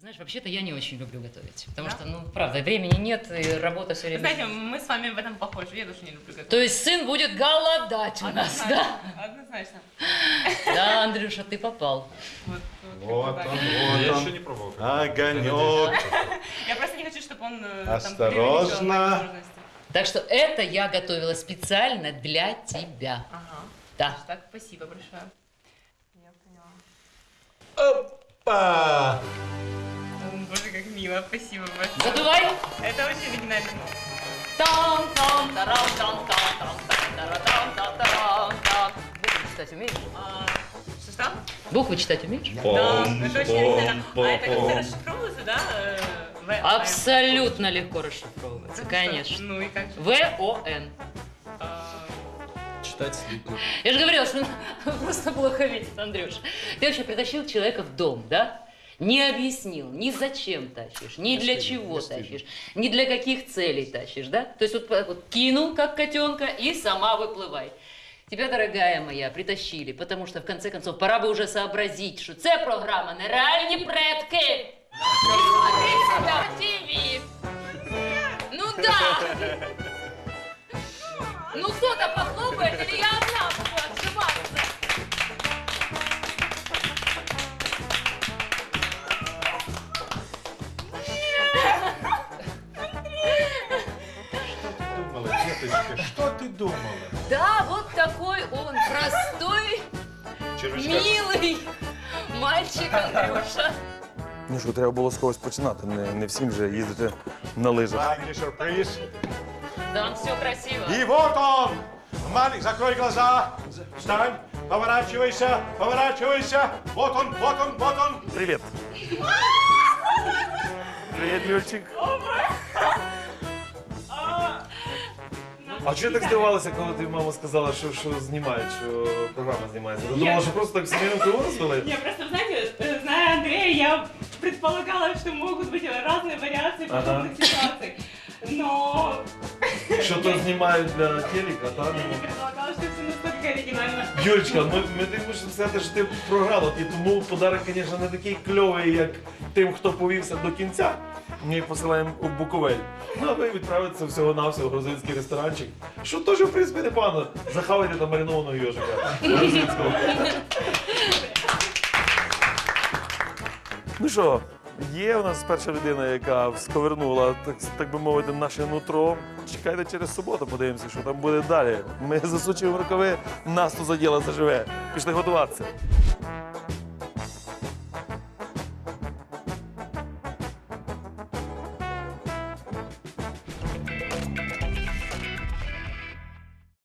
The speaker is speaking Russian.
Знаешь, вообще-то я не очень люблю готовить, потому что, ну, правда, времени нет, и работа все время. Знаете, мы с вами в этом похожи, я тоже не люблю готовить. То есть сын будет голодать у нас, да? Однозначно. Да, Андрюша, ты попал. Вот он, Я вот еще он. не пробовал. Огонек. Я просто не хочу, чтобы он Осторожно. возможности. Так что это я готовила специально для тебя. Ага. Да. Так, спасибо большое. Я поняла. Опа! Боже, как мило, спасибо большое. Задувай. Это очень оригинально. Там-там-тарам-там-там-тарам-там-там-там. Буквы читать умеешь? Что? Буквы читать умеешь? Да, это очень оригинально. А это как-то расшифровывается, да? Абсолютно легко расшифровывается, конечно. Ну и как же? ВОН. Читать слитно. Я же говорила, что он просто плохо видит, Андрюш. Ты вообще притащил человека в дом, да? Не объяснил, ни зачем тащишь, ни для чего тащишь, ни для каких целей тащишь, да? То есть вот кинул, как котенка, и сама выплывай. Тебя, дорогая моя, притащили, потому что, в конце концов, пора бы уже сообразить, що це програма «Нереальні предки». І смотри себя в ТВ. Ну да. Ну кто-то похлопает, или я одна буду отжиматься? Думала, деточка, что ты думала? Да, вот такой он, простой, Червячка. милый мальчик Андрюша. Ну що, треба було з когось починати, не всім же їздити на лижах. Маленький сюрприз. Да, он все красиво. И вот он! Маленький, закрой глаза. Встань, поворачивайся, поворачивайся. Вот он, вот он, вот он. Привіт. Привіт, Юрчик. А чого так здивувалася, коли тобі мама сказала, що знімають, що програма знімається? Ти думала, що просто так сімейну криву роздали? Не, просто, знаете, зная Андрея, я предполагала, что могут быть разные вариации подобных ситуаций. Но Що то знімають для телека, та? я не предполагала, что все настолько оригинально. Юрочка, ми тобі мусимо сказати, що ти програла, і тому подарок, звісно, не такий кльовий, як тим, хто повівся до кінця. Ми їх посилаємо у Буковель. Ну, а ви відправитеся всього-навсього в грузинський ресторанчик, що теж, в принципі, непогано. Захавайте там маринованого йожика грузинського. Ну що, є у нас перша людина, яка сковернула, так би мовити, наше нутро. Чекайте через суботу, подивимося, що там буде далі. Ми засучуємо рукави, нас тут за діло заживе. Пішли готуватися.